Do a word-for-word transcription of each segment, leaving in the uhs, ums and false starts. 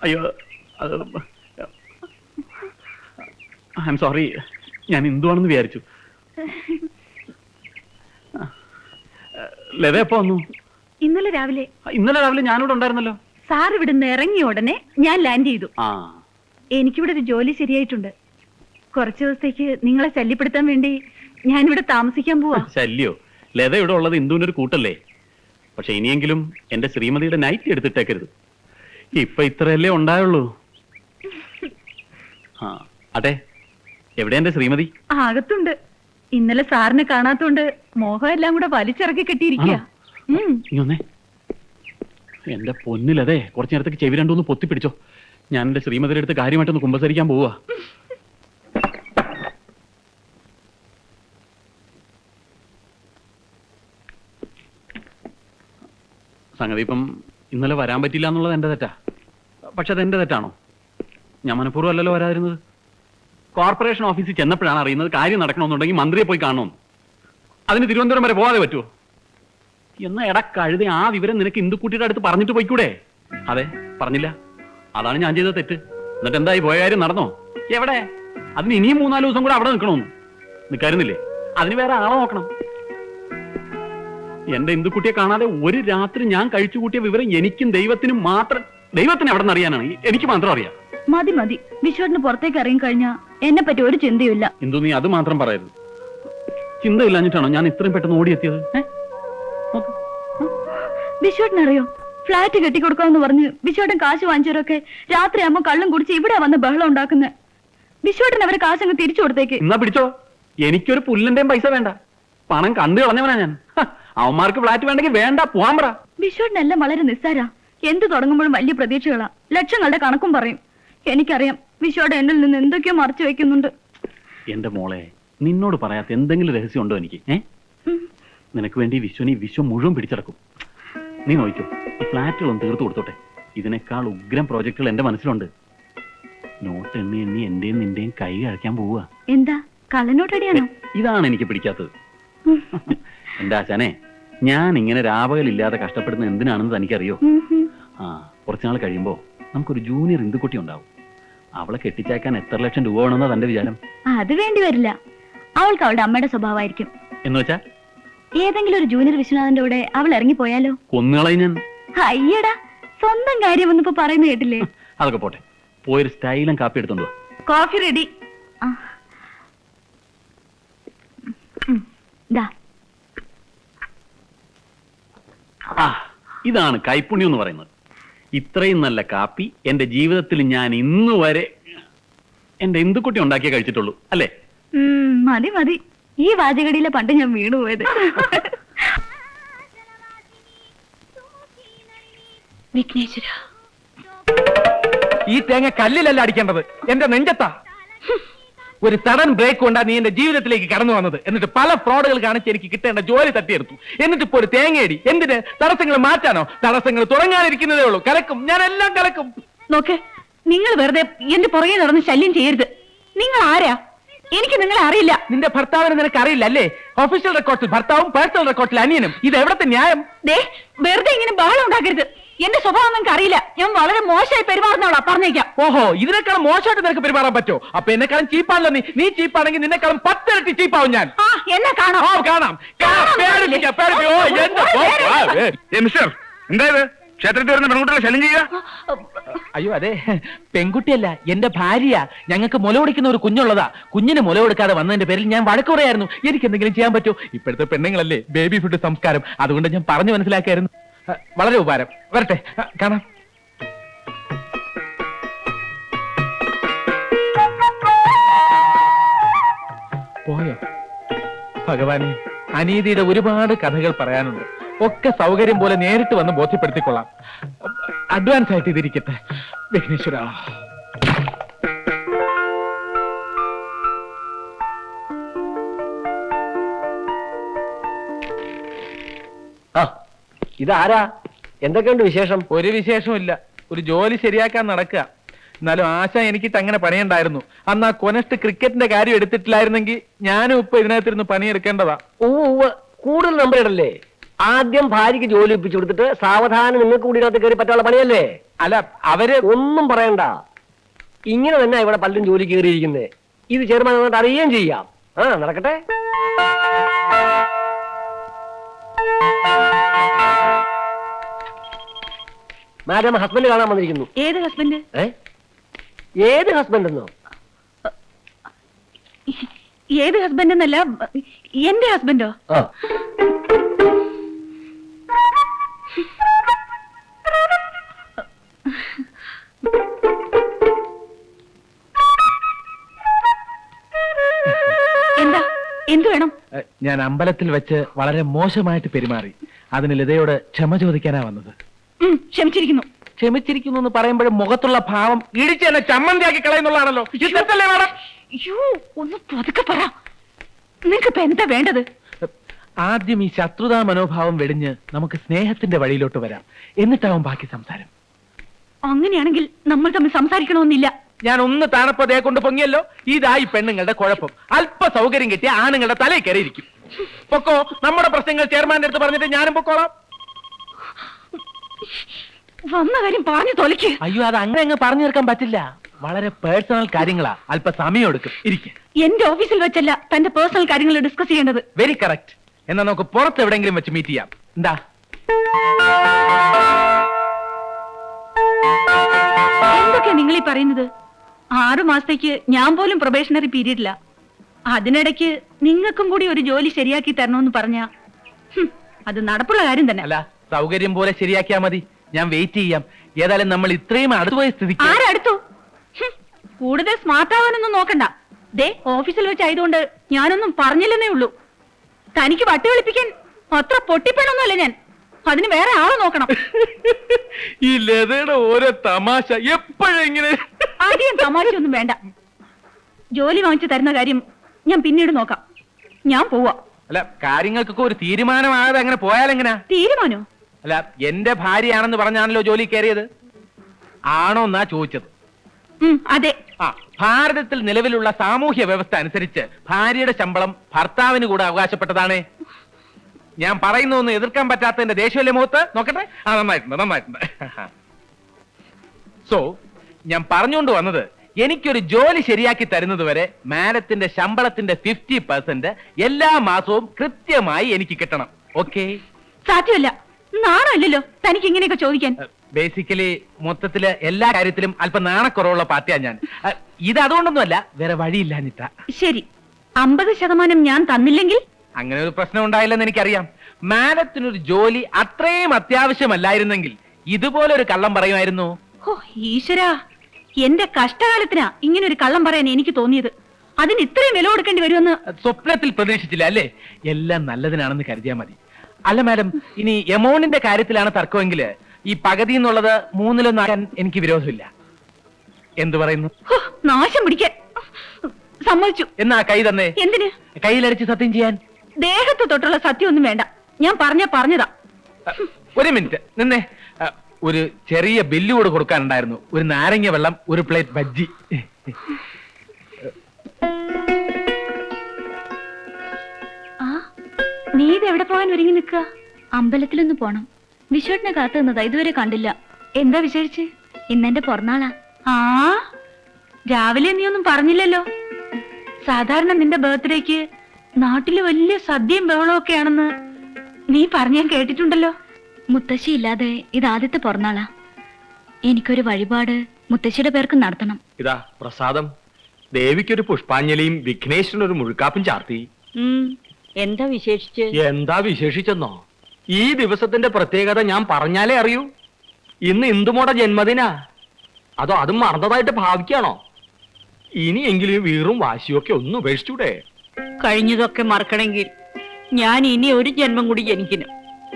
അയ്യോ I am sorry, ഞാൻ ഹിന്ദുവാണെന്ന് വിചാരിച്ചു. ലത എപ്പോ വന്നു? ഇന്നലെ രാവിലെ. ഇന്നലെ രാവിലെ ഞാനിവിടെ ഉണ്ടായിരുന്നല്ലോ. സാർ ഇവിടുന്ന് ഇറങ്ങിയ ഉടനെ ഞാൻ ലാൻഡ് ചെയ്തു. ആ, എനിക്കിവിടെ ഒരു ജോലി ശരിയായിട്ടുണ്ട്. കുറച്ചു ദിവസത്തേക്ക് നിങ്ങളെ ശല്യപ്പെടുത്താൻ വേണ്ടി ഞാനിവിടെ താമസിക്കാൻ പോവാ. ശല്യോ? ലത ഇവിടെ ഉള്ളത് ഇന്ദുവിനൊരു കൂട്ടല്ലേ. പക്ഷെ ഇനിയെങ്കിലും എന്റെ ശ്രീമതിയുടെ നൈറ്റ് എടുത്തിട്ടേക്കരുത്. ഇപ്പൊ ഇത്രയല്ലേ ഉണ്ടായുള്ളൂ. ആ അതെ, എവിടെ എന്റെ ശ്രീമതി? അകത്തുണ്ട്. ഇന്നലെ സാറിനെ കാണാത്തോണ്ട് മോഹം എല്ലാം കൂടെ വലിച്ചിറക്കി കെട്ടിയിരിക്കുക. എന്റെ പൊന്നിലതെ, കുറച്ചു നേരത്തേക്ക് ചെവി രണ്ടൊന്ന് പൊത്തിപ്പിടിച്ചോ. ഞാൻ എന്റെ ശ്രീമതിയുടെ അടുത്ത് കാര്യമായിട്ടൊന്ന് കുമ്പസരിക്കാൻ പോവാ. സംഗതി ഇപ്പം ഇന്നലെ വരാൻ പറ്റില്ല എന്നുള്ളത് എന്റെ തെറ്റാ. പക്ഷെ അതെന്റെ തെറ്റാണോ? ഞാൻ മനഃപൂർവ്വം അല്ലല്ലോ വരാതിരുന്നത്. കോർപ്പറേഷൻ ഓഫീസിൽ ചെന്നപ്പോഴാണ് അറിയുന്നത് കാര്യം നടക്കണമെന്നുണ്ടെങ്കിൽ മന്ത്രിയെ പോയി കാണണമെന്ന്. അതിന് തിരുവനന്തപുരം വരെ പോകാതെ പറ്റുമോ? എന്നാ എടാ കഴുതി, ആ വിവരം നിനക്ക് ഇന്ദുക്കുട്ടിയുടെ അടുത്ത് പറഞ്ഞിട്ട് പോയിക്കൂടെ? അതെ, പറഞ്ഞില്ല. അതാണ് ഞാൻ ചെയ്ത തെറ്റ്. എന്നിട്ട് എന്തായി, പോയ കാര്യം നടന്നോ? എവിടെ? അതിന് ഇനിയും മൂന്നാല് ദിവസം കൂടെ അവിടെ നിൽക്കണമെന്ന് നിൽക്കാരുന്നില്ലേ? അതിന് വേറെ ആളെ നോക്കണം. എന്റെ ഇന്ദുക്കുട്ടിയെ കാണാതെ ഒരു രാത്രി ഞാൻ കഴിച്ചു കൂട്ടിയ വിവരം എനിക്കും ദൈവത്തിനും മാത്രം, ദൈവത്തിന് എവിടെ നിന്ന് അറിയാനാണ്? എനിക്ക് മാത്രം അറിയാം. മതി മതി, വിശ്വട്ടിന് പുറത്തേക്ക് ഇറങ്ങി കഴിഞ്ഞാ എന്നെ പറ്റി ഒരു ചിന്തയില്ല. ഇന്ദു, നീ അത് മാത്രം പറയരുത്. ചിന്തയില്ലാഞ്ഞിട്ടാണോ ഞാൻ ഇത്രയും പെട്ടെന്ന് ഓടിയെത്തിയത്? വിശ്വട്ടിനറിയോ, ഫ്ലാറ്റ് കെട്ടിക്കൊടുക്കാമെന്ന് പറഞ്ഞ് വിശ്വട്ടൻ കാശ് വാങ്ങിച്ചവരൊക്കെ രാത്രി ആകുമ്പോ കള്ളും കുടിച്ച് ഇവിടെ വന്ന് ബഹളം ഉണ്ടാക്കുന്നത്. വിശ്വട്ടൻ അവരെ കാശങ്ങ് തിരിച്ചു കൊടുത്തേക്ക്. എന്നാ പിടിച്ചോ, എനിക്കൊരു പുല്ലിന്റെയും പൈസ വേണ്ട. പണം കണ്ടു കളഞ്ഞവനാ ഞാൻ. അവന്മാർക്ക് ഫ്ലാറ്റ് വേണ്ടെങ്കിൽ വേണ്ട, പോവാൻ പറ. വിശ്വട്ടിനെല്ലാം വളരെ നിസ്സാരാ. എന്ത് തുടങ്ങുമ്പോഴും വലിയ പ്രതീക്ഷകളാ, ലക്ഷങ്ങളുടെ കണക്കും പറയും. എനിക്കറിയാം വിശ്വയുടെ എന്നിൽ നിന്ന് എന്തൊക്കെയോ മറച്ചു വെക്കുന്നുണ്ട്. എന്റെ മോളെ, നിന്നോട് പറയാത്ത എന്തെങ്കിലും രഹസ്യം ഉണ്ടോ എനിക്ക്? ഏ നിനക്ക് വേണ്ടി വിശ്വനി വിശ്വം മുഴുവൻ പിടിച്ചടക്കും. നീ നോക്കിക്കോ, ഈ ഫ്ലാറ്റുകളൊന്നും തീർത്തു കൊടുത്തോട്ടെ. ഇതിനേക്കാൾ ഉഗ്രം പ്രോജക്റ്റുകൾ എന്റെ മനസ്സിലുണ്ട്. നോട്ട് എണ്ണി എണ്ണി എന്റെയും നിന്റെയും കൈ കഴിക്കാൻ പോവുക. എന്താ കള്ളനോട്ടടിയാണോ? ഇതാണ് എനിക്ക് പിടിക്കാത്തത്. എന്റെ ആശാനെ, ഞാൻ ഇങ്ങനെ രാപകലില്ലാതെ കഷ്ടപ്പെടുന്ന എന്തിനാണെന്ന് തനിക്കറിയോ? ആ, കുറച്ചുനാൾ കഴിയുമ്പോ നമുക്കൊരു ജൂനിയർ ഇന്ദുക്കുട്ടി ഉണ്ടാവും. അവളെ കെട്ടിച്ചേക്കാൻ എത്ര ലക്ഷം രൂപ വേണമെന്നാ തന്റെ വിചാരം? അത് വേണ്ടി വരില്ല. അവൾക്ക് അവളുടെ അമ്മയുടെ സ്വഭാവമായിരിക്കും. എന്ന് വെച്ചാ ഏതെങ്കിലും ഒരു ജൂനിയർ വിശ്വനാഥന്റെ കൂടെ അവൾ ഇറങ്ങിപ്പോയാലോ? കൊന്നുകളയും ഞാൻ. അയ്യടാ, സ്വന്തം കാര്യം ഒന്നിപ്പോ പറയുന്ന കേട്ടില്ലേ? അതൊക്കെ പോട്ടെ, പോയൊരു സ്റ്റൈലും കാപ്പി എടുത്തോണ്ട് വാ. Coffee ready. ഇതാണ് കൈപ്പുണ്യം എന്ന് പറയുന്നത്. ഇത്രയും നല്ല കാപ്പി എന്റെ ജീവിതത്തിൽ ഞാൻ ഇന്ന് വരെ എന്റെ ഇന്ദുക്കുട്ടി ഉണ്ടാക്കിയേ കഴിച്ചിട്ടുള്ളൂ, അല്ലേ? മതി മതി, ഈ വാചകടിയിലെ പണ്ട് ഞാൻ വീണുപോയത്. വിഘ്നേശ്വര, ഈ തേങ്ങ കല്ലിലല്ല അടിക്കേണ്ടത്, എന്റെ നെഞ്ചത്താ. ഒരു സഡൻ ബ്രേക്ക് കൊണ്ടാ നീ എന്റെ ജീവിതത്തിലേക്ക് കടന്നു വന്നത്. എന്നിട്ട് പല ഫ്രോഡുകൾ കാണിച്ച് എനിക്ക് കിട്ടേണ്ട ജോലി തട്ടിയെടുത്തു. എന്നിട്ട് ഇപ്പോ ഒരു തേങ്ങയടി. എന്തിന്? തടസ്സങ്ങൾ മാറ്റാനോ? തടസ്സങ്ങൾ തുടങ്ങാനിരിക്കുന്നതേ ഉള്ളൂ. കലക്കും, ഞാൻ എല്ലാം കലക്കും. നോക്ക്, നിങ്ങൾ വെറുതെ എന്റെ പുറകെ നടന്ന് ശല്യം ചെയ്യരുത്. നിങ്ങൾ ആരാ? എനിക്ക് നിങ്ങളെ അറിയില്ല. നിന്റെ ഭർത്താവിനെ നിനക്ക് അറിയില്ല അല്ലേ? ഒഫീഷ്യൽ റെക്കോർഡിൽ ഭർത്താവും പേഴ്സണൽ റെക്കോർഡിൽ അനിയനും. ഇത് എവിടത്തെ ന്യായം? ദേ, വെറുതെ ഇങ്ങനെ ബഹളം ഉണ്ടാക്കരുത്. എന്റെ സ്വഭാവം നിങ്ങൾക്ക് അറിയില്ല. ഞാൻ വളരെ മോശമായി പെരുമാറുന്നോളാ, പറഞ്ഞേക്കാം. ഓഹോ, ഇതിനേക്കാളും മോശമായിട്ട് നിനക്ക് പെരുമാറാൻ പറ്റോ? അപ്പൊ എന്നെക്കാളും ചീപ്പാണല്ലോ നീ. നീ ചീപ്പാണെങ്കിൽ നിന്നെക്കാളും പത്തിരട്ടി ചീപ്പാവും ഞാൻ. ആ, എന്നെ കാണാം. ഓ, കാണാം. എന്തായത് ക്ഷേത്രത്തിൽ വരുന്ന പെൺകുട്ടികളെ ശല്യം ചെയ്യുക? അയ്യോ അതെ, പെൺകുട്ടിയല്ല, എന്റെ ഭാര്യ. ഞങ്ങൾക്ക് മുല കൊടുക്കുന്ന ഒരു കുഞ്ഞുള്ളതാ. കുഞ്ഞിന് മുല കൊടുക്കാതെ വന്നതിന്റെ പേരിൽ ഞാൻ വഴക്ക് പറയായിരുന്നു. എനിക്ക് എന്തെങ്കിലും ചെയ്യാൻ പറ്റുമോ? ഇപ്പോഴത്തെ പെണ്ണുങ്ങളല്ലേ ബേബി ഫുഡ് സംസ്കാരം. അതുകൊണ്ട് ഞാൻ പറഞ്ഞു മനസ്സിലാക്കായിരുന്നു. വളരെ ഉപകാരം. വരട്ടെ, കാണാം. പോയോ? ഭഗവാനെ, അനീതിയുടെ ഒരുപാട് കഥകൾ പറയാനുണ്ട്. ഒക്കെ സൗകര്യം പോലെ നേരിട്ട് വന്ന് ബോധ്യപ്പെടുത്തിക്കൊള്ളാം. അഡ്വാൻസ് ആയിട്ട് ഇതിരിക്കട്ടെ. വിഘ്നേശ്വര, ഇതാരാ? എന്തൊക്കെയുണ്ട് വിശേഷം? ഒരു വിശേഷവും ഇല്ല. ഒരു ജോലി ശരിയാക്കാൻ നടക്കുക. എന്നാലും ആശ എനിക്കിട്ട് അങ്ങനെ പണിയുണ്ടായിരുന്നു. അന്ന് ആ കൊനസ്റ്റ് ക്രിക്കറ്റിന്റെ കാര്യം എടുത്തിട്ടില്ലായിരുന്നെങ്കിൽ ഞാനും ഇപ്പൊ ഇതിനകത്തിരുന്ന് പണിയെടുക്കേണ്ടതാ. ഓ, കൂടുതൽ നമ്പർ ഇടല്ലേ. ആദ്യം ഭാര്യയ്ക്ക് ജോലി ഒപ്പിച്ചു കൊടുത്തിട്ട് സാവധാനം നിങ്ങൾക്ക് കൂടി ഇതിനകത്ത് കയറി പറ്റാനുള്ള പണിയല്ലേ? അല്ല അവര് ഒന്നും പറയണ്ട. ഇങ്ങനെ തന്നെ ഇവിടെ പലരും ജോലി കയറിയിരിക്കുന്നത്. ഇത് ചെയർമാൻ വന്നിട്ട് അറിയുകയും ചെയ്യാം. ആ നടക്കട്ടെ. മാഡം ഹസ്ബൻഡ് കാണാൻ വന്നിരിക്കുന്നു. ഏത് ഹസ്ബൻഡ്? ഏ ഏത് ഹസ്ബൻഡ് എന്നോ? ഏത് ഹസ്ബൻഡ് എന്നല്ല, എന്റെ ഹസ്ബൻഡോ? ആ എന്താ? എന്തു വേണം? ഞാൻ അമ്പലത്തിൽ വെച്ച് വളരെ മോശമായിട്ട് പെരുമാറി. അതിന് ലതയോട് ക്ഷമ ചോദിക്കാനാ വന്നത്. ഉം, ക്ഷമിച്ചിരിക്കുന്നു. ക്ഷമിച്ചിരിക്കുന്നു എന്ന് പറയുമ്പോഴും മുഖത്തുള്ള ഭാവം ഇടിച്ച് എന്നെ ചമ്മന്തിയാക്കി കളയുന്നുള്ളതാണല്ലോ. ഇതല്ലേ മാഡം? അയ്യോ, ഒന്ന് പതുക്കെ പറ. നിനക്കിപ്പോ എന്താ വേണ്ടത്? ആദ്യം ഈ ശത്രുതാ മനോഭാവം വെടിഞ്ഞ് നമുക്ക് സ്നേഹത്തിന്റെ വഴിയിലോട്ട് വരാം. എന്നിട്ടാവും ബാക്കി സംസാരം. അങ്ങനെയാണെങ്കിൽ നമ്മൾ തമ്മിൽ സംസാരിക്കണമെന്നില്ല. ഞാൻ ഒന്ന് താണപ്പതേ കൊണ്ട് പൊങ്ങിയല്ലോ. ഇതായി പെണ്ണുങ്ങളുടെ കുഴപ്പം. അല്പ സൗകര്യം കിട്ടിയ ആണുങ്ങളുടെ തലയിൽ കയറിയിരിക്കും. പൊക്കോ, നമ്മുടെ പ്രശ്നങ്ങൾ ചെയർമാന്റെ അടുത്ത് പറഞ്ഞിട്ട് ഞാനും പൊക്കോളാം. വന്ന കാര്യം പറഞ്ഞു തൊലയ്ക്ക്. അയ്യോ, അത് അങ്ങനെ അങ്ങ് പറഞ്ഞു തീർക്കാൻ പറ്റില്ല. വളരെ പേഴ്സണൽ കാര്യങ്ങളാ. അല്പ സമയം എടുക്കും. ഇരിക്കും. എന്റെ ഓഫീസിൽ വെച്ചല്ല തന്റെ പേഴ്സണൽ കാര്യങ്ങൾ ഡിസ്കസ് ചെയ്യേണ്ടത്. Very correct. എന്നാ നമുക്ക് പുറത്ത് എവിടെയെങ്കിലും വെച്ച് മീറ്റ് ചെയ്യാം. എന്താ? എന്തൊക്കെയാ നിങ്ങൾ ഈ പറയുന്നത്? ആറു മാസത്തേക്ക് ഞാൻ പോലും പ്രൊബേഷണറി പീരീഡില്ല. അതിനിടയ്ക്ക് നിങ്ങൾക്കും കൂടി ഒരു ജോലി ശരിയാക്കി തരണമെന്ന് പറഞ്ഞ അത് നടപ്പുള്ള കാര്യം തന്നെ. അല്ല, സൗകര്യം പോലെ ശരിയാക്കിയാ മതി. ഞാൻ വെയിറ്റ് ചെയ്യാം. ഏതായാലും നമ്മൾ ഇത്രയും അടുത്തുപോയ സ്ഥിതിക്ക്. ആരടുത്തു? കൂടുതൽ സ്മാർട്ട് ആവാനൊന്നും നോക്കണ്ട. ദേ, ഓഫീസിൽ വെച്ചായതുകൊണ്ട് ഞാനൊന്നും പറഞ്ഞില്ലെന്നേ ഉള്ളൂ. തനിക്ക് വട്ടി വിളിപ്പിക്കാൻ അത്ര പൊട്ടിപ്പണൊന്നുമല്ല ഞാൻ. അതിന് വേറെ ആളെ നോക്കണം. ഈ ലതയുടെ ഓരോ തമാശ എപ്പോഴെങ്ങനെ. ആദ്യം തമാശയൊന്നും വേണ്ട. ജോലി വാങ്ങിച്ചു തരുന്ന കാര്യം ഞാൻ പിന്നീട് നോക്കാം. ഞാൻ പോവാ. അല്ല, കാര്യങ്ങൾക്കൊക്കെ ഒരു തീരുമാനമാകാതെ അങ്ങനെ പോയാലെങ്ങനാ? തീരുമാനോ? അല്ല, എന്റെ ഭാര്യയാണെന്ന് പറഞ്ഞാണല്ലോ ജോലി കയറിയത്. ആണോ എന്നാ ചോദിച്ചത്. ഉം, അതെ. ആ, ഭാരതത്തിൽ നിലവിലുള്ള സാമൂഹ്യ വ്യവസ്ഥ അനുസരിച്ച് ഭാര്യയുടെ ശമ്പളം ഭർത്താവിന് കൂടെ അവകാശപ്പെട്ടതാണ്. ഞാൻ പറയുന്നൊന്നും എതിർക്കാൻ പറ്റാത്തതിന്റെ ദേഷ്യമല്ലേ മുഖത്ത്? നോക്കട്ടെ. ആ, നന്നായിട്ടുണ്ട്, നന്നായിട്ടുണ്ട്. സോ ഞാൻ പറഞ്ഞുകൊണ്ട് വന്നത്, എനിക്കൊരു ജോലി ശരിയാക്കി തരുന്നത് വരെ മാഡത്തിന്റെ ശമ്പളത്തിന്റെ ഫിഫ്റ്റി പെർസെന്റ് എല്ലാ മാസവും കൃത്യമായി എനിക്ക് കിട്ടണം. ഓക്കെ? സാധ്യമല്ല. നാണല്ലോ തനിക്ക് ഇങ്ങനെയൊക്കെ ചോദിക്കാൻ. ബേസിക്കലി മൊത്തത്തില് എല്ലാ കാര്യത്തിലും അല്പം നാണക്കുറവുള്ള പാർട്ടിയാ ഞാൻ. അഹ്, ഇത് അതുകൊണ്ടൊന്നുമല്ല, വേറെ വഴിയില്ലാഞ്ഞിട്ടാ. ശരി, അമ്പത് ശതമാനം ഞാൻ തന്നില്ലെങ്കിൽ? അങ്ങനെ ഒരു പ്രശ്നം ഉണ്ടായില്ലെന്ന് എനിക്കറിയാം. മാഡത്തിനൊരു ജോലി അത്രയും അത്യാവശ്യമല്ലായിരുന്നെങ്കിൽ ഇതുപോലെ ഒരു കള്ളം പറയുമായിരുന്നു. ഓ ഈശ്വരാ, എന്റെ കഷ്ടകാലത്തിനാ ഇങ്ങനെ ഒരു കള്ളം പറയാൻ എനിക്ക് തോന്നിയത്. അതിന് ഇത്രയും വില കൊടുക്കേണ്ടി വരുമെന്ന് സ്വപ്നത്തിൽ പ്രതീക്ഷിച്ചില്ല അല്ലേ? എല്ലാം നല്ലതിനാണെന്ന് കരുതിയാ മതി. അല്ല മാഡം, ഇനി എമൗണ്ടിന്റെ കാര്യത്തിലാണ് തർക്കമെങ്കിൽ ഈ പകുതി എന്നുള്ളത് മൂന്നിലൊന്നാക്കാൻ എനിക്ക് വിരോധമില്ല. എന്തു പറയുന്നു? ഹോ, നാശം പിടിക്കാൻ. സമ്മതിച്ചു. എന്നാ കൈ തന്നെ. എന്തിന്? കയ്യിലടിച്ച് സത്യം ചെയ്യാൻ. ദേഹത്ത് തൊട്ടുള്ള സത്യം ഒന്നും വേണ്ട. ഞാൻ പറഞ്ഞ പറഞ്ഞതാ. ഒരു മിനിറ്റ് നിന്നെ. ഒരു ചെറിയ ബില്ല് കൂടെ കൊടുക്കാനുണ്ടായിരുന്നു. ഒരു നാരങ്ങ വെള്ളം, ഒരു പ്ലേറ്റ് ബജ്ജി. ആ, നീ ഇത് എവിടെ പോകാൻ ഒരുങ്ങി നിൽക്കുക? അമ്പലത്തിലൊന്ന് പോണം. വിശ്വട്ടിനെ കാത്തു നിന്നതാ, ഇതുവരെ കണ്ടില്ല. എന്താ വിശേഷിച്ച്? ഇന്നെന്റെ പിറന്നാളാ. ആ, രാവിലെ നീ ഒന്നും പറഞ്ഞില്ലല്ലോ. സാധാരണ നിന്റെ ബർത്ത്ഡേക്ക് നാട്ടില് വലിയ സദ്യയും ബഹളവും ഒക്കെയാണെന്ന് നീ പറഞ്ഞ ഞാൻ കേട്ടിട്ടുണ്ടല്ലോ. മുത്തശ്ശി ഇല്ലാതെ ഇത് ആദ്യത്തെ പിറന്നാളാ. എനിക്കൊരു വഴിപാട് മുത്തശ്ശിയുടെ പേർക്ക് നടത്തണം. ഇതാ പ്രസാദം. ദേവിക്കൊരു പുഷ്പാഞ്ജലിയും വിഘ്നേശ്വരനൊരു മുഴുക്കാപ്പും ചാർത്തി. എന്താ വിശേഷിച്ച്? എന്താ വിശേഷിച്ചെന്നോ? ഈ ദിവസത്തിന്റെ പ്രത്യേകത ഞാൻ പറഞ്ഞാലേ അറിയൂ. ഇന്ന് ഇന്ദുമോടെ ജന്മദിനാ. അതോ അതും മറന്നതായിട്ട് ഭാവിക്കാണോ? ഇനിയെങ്കിലും വീറും വാശിയൊക്കെ ഒന്ന് ഉപേക്ഷിച്ചൂടെ? കഴിഞ്ഞതൊക്കെ മറക്കണമെങ്കിൽ ഞാൻ ഇനി ഒരു ജന്മം കൂടി ജനിക്കണം.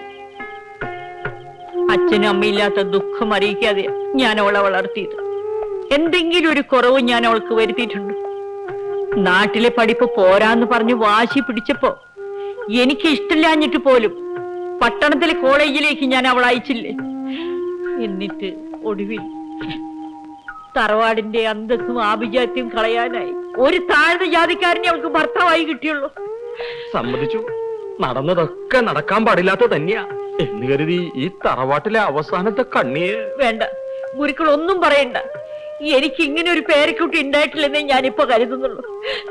അച്ഛനും അമ്മയില്ലാത്ത ദുഃഖം അറിയിക്കാതെ ഞാൻ അവളെ വളർത്തിയത്. എന്തെങ്കിലും ഒരു കുറവ് ഞാൻ അവൾക്ക് വരുത്തിയിട്ടുണ്ട്. നാട്ടിലെ പഠിപ്പ് പോരാന്ന് പറഞ്ഞ് വാശി പിടിച്ചപ്പോ എനിക്ക് ഇഷ്ടമില്ലാഞ്ഞിട്ട് പോലും പട്ടണത്തിലെ കോളേജിലേക്ക് ഞാൻ അവളെ അയച്ചില്ലേ. എന്നിട്ട് ഒടുവിൽ തറവാടിന്റെ അന്തസ്സും ആഭിജാത്യവും കളയാനായി ഒരു താഴ്ന്ന ജാതിക്കാരനെ അവൾക്ക് ഭർത്താവായി കിട്ടിയുള്ളൂ. സമ്മതിച്ചു, നടന്നതൊക്കെ നടക്കാൻ പാടില്ലാത്ത തന്നെയാ എന്ന് കരുതി ഈ തറവാട്ടിലെ അവസാനത്തെ കണ്ണിയെ. വേണ്ട, ഗുരുക്കൾ ഒന്നും പറയണ്ട. എനിക്ക് ഇങ്ങനെ ഒരു പേരക്കുട്ടി ഉണ്ടായിട്ടില്ലെന്നേ ഞാനിപ്പോ കരുതുന്നുള്ളൂ.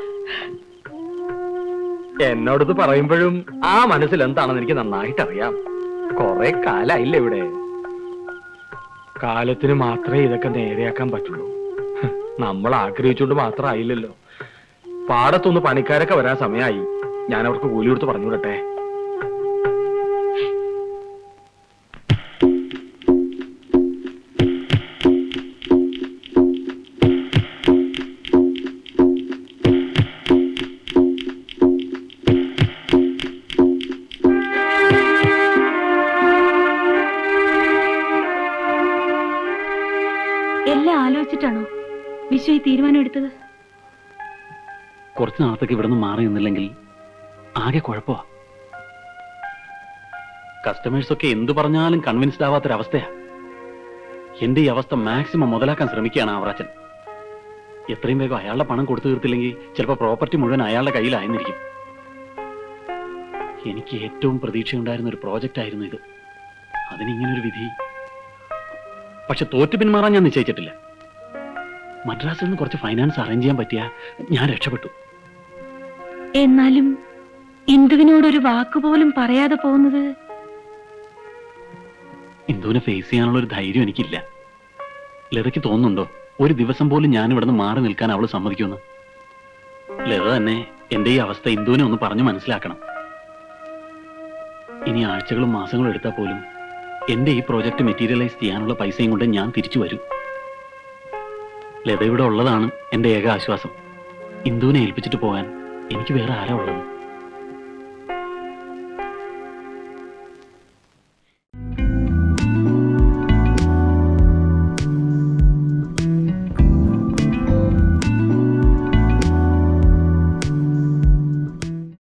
എന്നോടത് പറയുമ്പോഴും ആ മനസ്സിൽ എന്താണെന്ന് എനിക്ക് നന്നായിട്ട് അറിയാം. കൊറേ കാലായില്ലേ ഇവിടെ. കാലത്തിന് മാത്രമേ ഇതൊക്കെ നേരെയാക്കാൻ പറ്റുള്ളൂ. നമ്മൾ ആഗ്രഹിച്ചുകൊണ്ട് മാത്രം ആയില്ലല്ലോ. പാടത്തൊന്ന് പണിക്കാരൊക്കെ വരാൻ സമയമായി. ഞാൻ അവർക്ക് കൂലി കൊടുത്ത് പറഞ്ഞു വിടട്ടെ. എല്ലാം ആലോചിച്ചിട്ടാണോ വിശ്വ ഈ തീരുമാനം എടുത്തത്? കുറച്ച് നാളത്തേക്ക് ഇവിടെ നിന്ന് മാറി നിന്നില്ലെങ്കിൽ ആകെ കുഴപ്പമാ. കസ്റ്റമേഴ്സ് ഒക്കെ എന്തു പറഞ്ഞാലും കൺവിൻസ്ഡ് ആവാത്തൊരവസ്ഥയാ. എന്റെ ഈ അവസ്ഥ മാക്സിമം മുതലാക്കാൻ ശ്രമിക്കുകയാണ് ആവറാച്ചൻ. എത്രയും വേഗം അയാളുടെ പണം കൊടുത്തു തീർത്തില്ലെങ്കിൽ ചിലപ്പോൾ പ്രോപ്പർട്ടി മുഴുവൻ അയാളുടെ കയ്യിലായിരിക്കും. എനിക്ക് ഏറ്റവും പ്രതീക്ഷയുണ്ടായിരുന്ന ഒരു പ്രോജക്റ്റ് ആയിരുന്നു ഇത്. അതിനിങ്ങനൊരു വിധി. പക്ഷെ തോറ്റു പിന്മാറാൻ ഞാൻ നിശ്ചയിച്ചിട്ടില്ല. മദ്രാസിൽ നിന്ന് കുറച്ച് ഫൈനാൻസ് അറേഞ്ച് ചെയ്യാൻ പറ്റിയ ഞാൻ രക്ഷപ്പെട്ടു. എന്നാലും ഇന്ദുവിനോടൊരു വാക്കുപോലും പറയാതെ പോകുന്നത്. ഇന്ദുവിനെ ഫേസ് ചെയ്യാനുള്ള ഒരു ധൈര്യം എനിക്കില്ല. ലതയ്ക്ക് തോന്നുന്നുണ്ടോ ഒരു ദിവസം പോലും ഞാൻ ഇവിടെ നിന്ന് മാറി നിൽക്കാൻ അവള് സമ്മതിക്കുമെന്ന്? ലത തന്നെ എന്റെ ഈ അവസ്ഥ ഇന്ദുവിനെ ഒന്ന് പറഞ്ഞു മനസ്സിലാക്കണം. ഇനി ആഴ്ചകളും മാസങ്ങളും എടുത്താൽ പോലും എന്റെ ഈ പ്രോജക്റ്റ് മെറ്റീരിയലൈസ് ചെയ്യാനുള്ള പൈസയും കൊണ്ട് ഞാൻ തിരിച്ചു വരും. ലത ഇവിടെ ഉള്ളതാണ് എന്റെ ഏക ആശ്വാസം. ഇന്ദുവിനെ ഏൽപ്പിച്ചിട്ട് പോകാൻ എനിക്ക് വേറെ ആരാ ഉള്ളത്?